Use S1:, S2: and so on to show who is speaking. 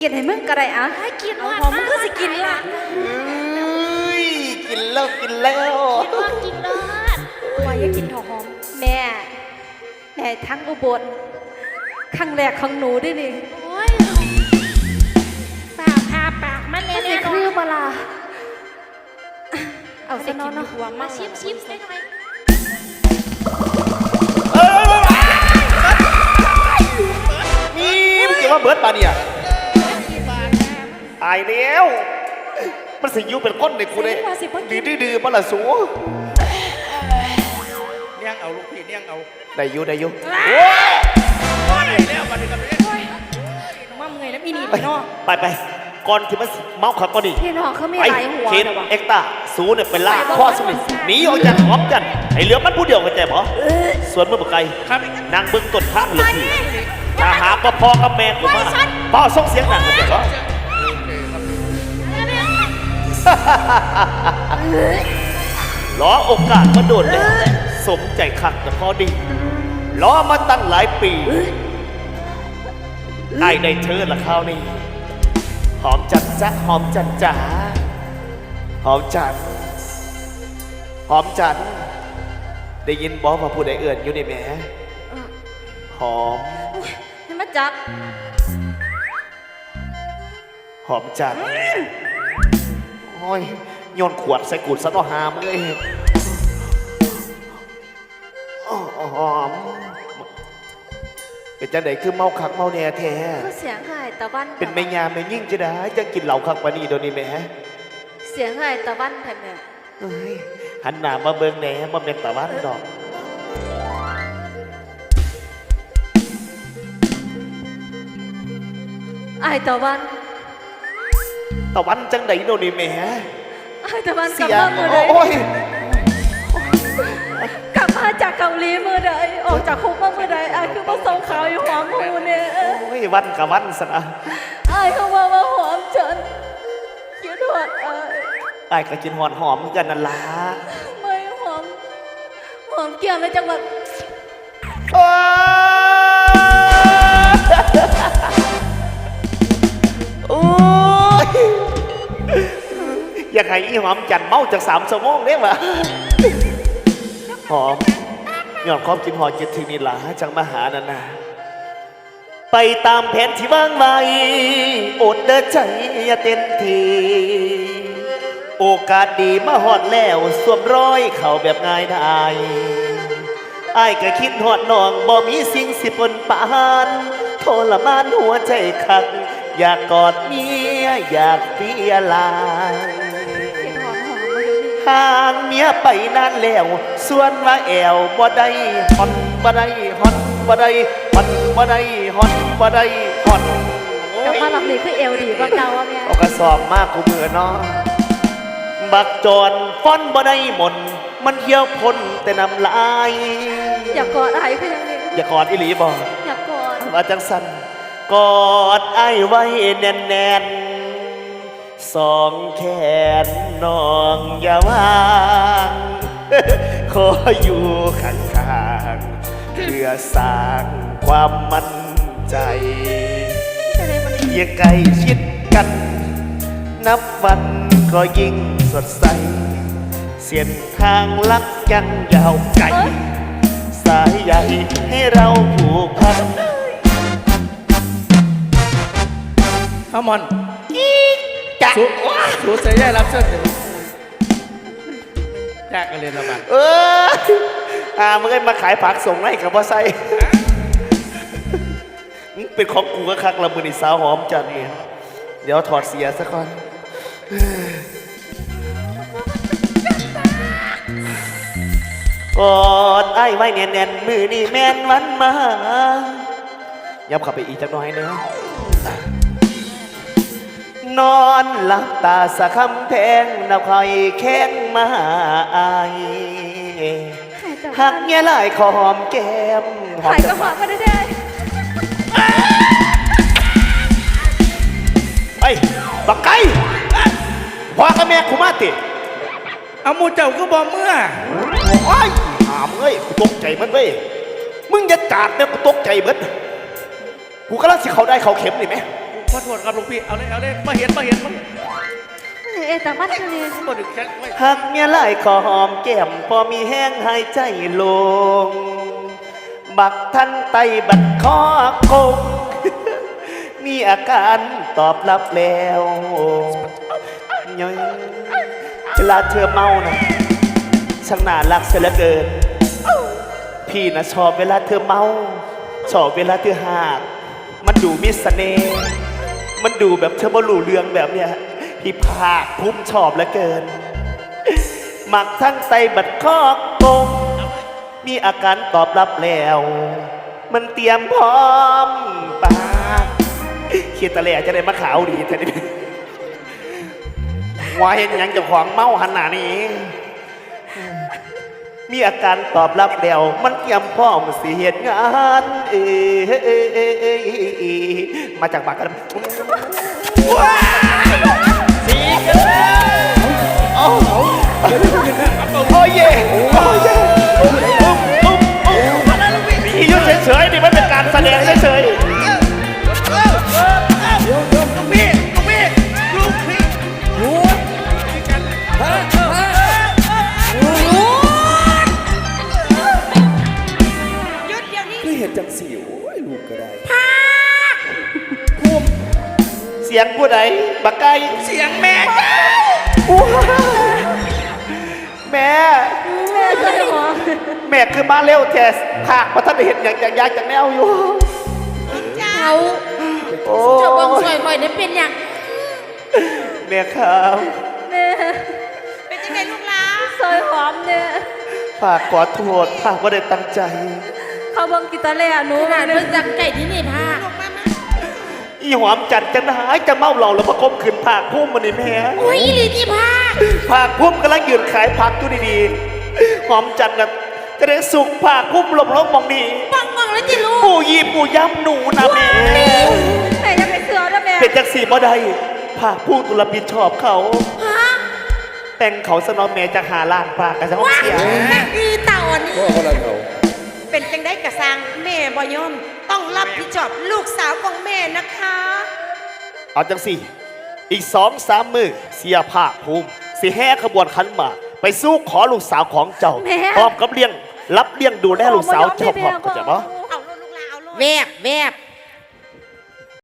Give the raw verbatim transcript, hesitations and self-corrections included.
S1: กินให้มึงก็ได้อ่ะให้กินว่ามึงก็สิกินละ
S2: กินแล้วกินแล้ว
S1: กินว่ากินเลิศว่าอย่ากินหอมแม่แม่ทั้งอุบลครั้งแรกของหนูด้วยนี่โอ้ยปากพาปากมันเนี่ยเนี่ยคือเวลาเอาสิกินหัวมาชิมชิมได้ไหม
S2: นี่มึงจะว่าเบิร์ดปาเนี่ยตายแล้วมันสิยุเป็นก้นในกูเลยดื้อดื้อมาละสู
S3: เนี่ยงเอาลูกพี่เนี่ยงเอา
S2: ได้ยุได้ยุ
S3: โอ้ยแล้วมาดูกันเลย
S1: มั่มไงนะพี่นี่เนาะ
S2: ไปไปก่อนที่มันเมาขับก็ดี
S1: พี่น้องเขาไม่ไหลหัว
S2: เคนเอ็กต้าสูเนี่ยเป็นล่าข้อสุดหนีออกจากหอมจันไอเหลือมันผู้เดียวกันใจบ่ส่วนเมื่อปไกลนางเบิ้งต้นข้างเหลือที่ถ้าหากว่าพ่อกับแม่กูมาพ่อส่งเสียงหนังกันใจบ่ล้อโอกาสมาโดนเลยสมใจขัดแต่พอดีล้อมาตั้งหลายปีไอ้ได้เธอละข้าวนี่หอมจันจ้ะหอมจันจ๋าหอมจันหอมจันได้ยินบอกว่าผู้ใดเอื่นอยู่ในแหมหอม
S1: ให้มาจับ
S2: หอมจันโอ้ยโยนขวดใส่กุดซะต่อหามเลยหอมเป็นจังไดคือเมาคักเมาแน่แท้
S1: เสียงหายตะวัน
S2: เป็นแม่ยาแม่ยิ่งจะได้จะกินเหล่าคักปานีโดนนี่แม่
S1: เสียงหายตะวันแผ่นเนี่ย
S2: เฮ้ยหันหน้ามาเบิ่งแหน่มาเป็นตะวันดอก
S1: ไอตะวัน
S2: ตะวันจังไดโดนนี่แม่
S1: ไอตะวันกลับมาเมื่อใดกลับมาจากเกาหลีเมื่อใดออกจากคุกมาเมื่อใดไอคือมาส่งข่าวอยู่หอมหูเนี่ย
S2: โอ้ยวันกับวันสนะ
S1: ไอเขาว่าว่าหอมฉันคิดหอดไอ
S2: ไอก็กินหอมหอมกันนั่นล่ะ
S1: ไม่หอมหอมเกี่ยวในจังหวัด
S2: โอ้ยอยากให้อีหอมจันเมาจากสามชั่วโมงเนี่ยวะหอมย้อนความกินหอมกินถึงนี่ล่ะจังมาหานั่นนะไปตามแผนที่วางไว้อดเดินใจอย่าเต้นทีโอกาสดีมาหอดแล้วสวมร้อยเข่าแบบง่ายดายไอ้ก็คิดหอดน้องบ่มีสิ่งสิปนปานทรมานหัวใจคักอยากกอดเมียอยากเปียลายห่างเมียไปนานแล้วส่วนว่าแอวบ่ได้ฮอนบ่ได้ฮอนบ่ได้ฮอนบ่ได้ฮอนบ่ได้ฮอน
S1: กลับมาหลับนี่คือเอวดีกว่าเก่าอ่ะแม่
S2: เอากระสอบมากกูมือเนาะบักจอนฟ้อนบ่ได้หมดมันเที่ยวพ้นแต่น้ำลาย
S1: อยากกอดไอ้คือยังไง
S2: อยากกอดอีหลีบ่
S1: อยากกอด
S2: ว่าจังสันกอดไอ้ไว้แน่นๆสองแขนน้องอย่าวางขออยู่ข้างๆเพื่อสร้างความมั่นใจอย่าใกล้ชิดกันนับวันก็ยิ่งสดใสเส้นทางลักยังยาวไกลสายใหญ่ให้เราผูกพัน
S3: ข้ามอนสูสูเสียใหญ่รับเชิญแจกกันเลยละบ้าน
S2: เอออ่ามึงไอ้มาขายผักส่งให้กับว่าไซเป็นของกูก็คักละมือนี่สาวหอมจันนี่เดี๋ยวถอดเสียซะก่อนกอดไอ้ไว้แน่นๆมือนี่แม่นวันมายับขับไปอีกจักหน่อยเนื้อนอนหลับตาสะคำแทงนับคอยแข้งมาอายหักเงี้ยลายขอหอมแก้ม
S1: หายก็หอมมาได้ได้
S2: ไอ้บักไก่พ่อกับแม่คุมาติ
S3: เอามูเจ้าก็บอกเมื่อ
S2: โอ้ยถามเอ้ยกูตกใจมันเว้ยมึงอย่ากาดเนี่ยกูตกใจเบิดกูก็ลังสิเขาได้เขาเข็มนี่ไหม
S3: ขอโทษครับลุงพี่เอาเลยเอาเลยมาเห็นมาเห็นมาเห็น
S1: เอ๊ะแต่ว่าทะเล
S3: ตัวดึกแค่ไม่
S2: หักเมียหลายขอหอมแก้มพอมีแห้งหายใจลง บักท่านไตบัดคอกง มีอาการตอบรับแล้วย้อยเวลาเธอเมานะช่างน่ารักเสียเหลือเกิน พี่นะชอบเวลาเธอเมา ชอบเวลาเธอหาก มันดูมีเสน่ห์มันดูแบบเธอบ่รู้เรื่องแบบเนี้ยพี่ภาคภูมิชอบเหลือเกิน หมักทั้งไตบัดคอกกงมีอาการตอบรับแล้ว มันเตรียมพร้อมปากเขียดตะแหล่จะได้มาขาวดีแท้ดิว่าเห็นหยังเจะของเมาหันหน้านี่มีอาการตอบรับแล้ว มันเตรียมพร้อมสิเหตุงานเอเอเอเอเอมาจากปากกันสีกันโอ้โอ้เย่โอ้เย่พี่ยุ่เฉยๆนี่มันเป็นการแสดงเฉยๆ
S3: ลุงพี่ลุงพี่ลุงพี่หยุดเฮ้ยเฮ้ยหยุด
S1: หยุดเดี๋ยวนี้
S3: คือเห็นจังสิโอ้ยลูกก็ได้
S2: ภูมิเสียงผู้ใดบักไก่
S3: เสียงแม่จ้า
S2: แม่
S1: แม่ใส่หอม
S2: แม่คือมาเร็วแทสภาคมาท่านได้เห็นอย่างอย่างยากจากแนวอยู่
S4: เจ้า
S2: โอ้
S4: เจ้าเบิ่งสวยข่อยเนี่ยเป็นอย่าง
S2: แม่ครับ
S1: แม่
S4: เป็นยังไงลูกหลาน
S1: ซอยหอมเนี่ย
S2: ฝากขอโทษฝากว่าได้ตั้งใจ
S1: เขาเบังกีตาร์แล่หนู
S4: ขนาด
S1: เนี่
S4: เพิ่
S1: ย
S4: งจับไก่ที่นี่พา
S2: อีหอมจัดจะหายจะเมาเหล่าแล้วประกบขืนผากพุ่มมันนี่แม่
S4: โอ้ยอีหลีที่พา
S2: ผากพุ่มกำลังยืนขายผักอยู่ดีๆหอมจัดนะจะได้สุกผากพุ่มหลบลงมองนี่
S4: ปังปังแล้วจิลูก
S2: ปู่ยีปู่ย้ำหนูนะแม่
S1: แม่จะไปเสือนะแม่
S2: เป็นจักสีบ่ได้ผากผู้ตุลปิดชอบเขา
S4: ฮะ
S2: แต่งเขาสนอมแม่จะหาล้านผากกันซะ
S4: ว้า
S2: เสีย
S4: อีเต่าอันนี้
S3: ก็คนละเขา
S4: เป็นจังได้กระซังแม่บ่ยอมต้องรับผิดชอบลูกสาวของแม่นะคะ
S2: เอาจังสี่ อีกสองสามมือเสียภาคภูมิสิแห่ขบวนขันหมากไปสู้ขอลูกสาวของเจ้าพร้อมกับเลี้ยงรับเลี้ยงดูแลลูกสาวเจ้าพร้อมเข้าใจปะ
S4: เอาลูกหลานเอาลูกแวบแวบ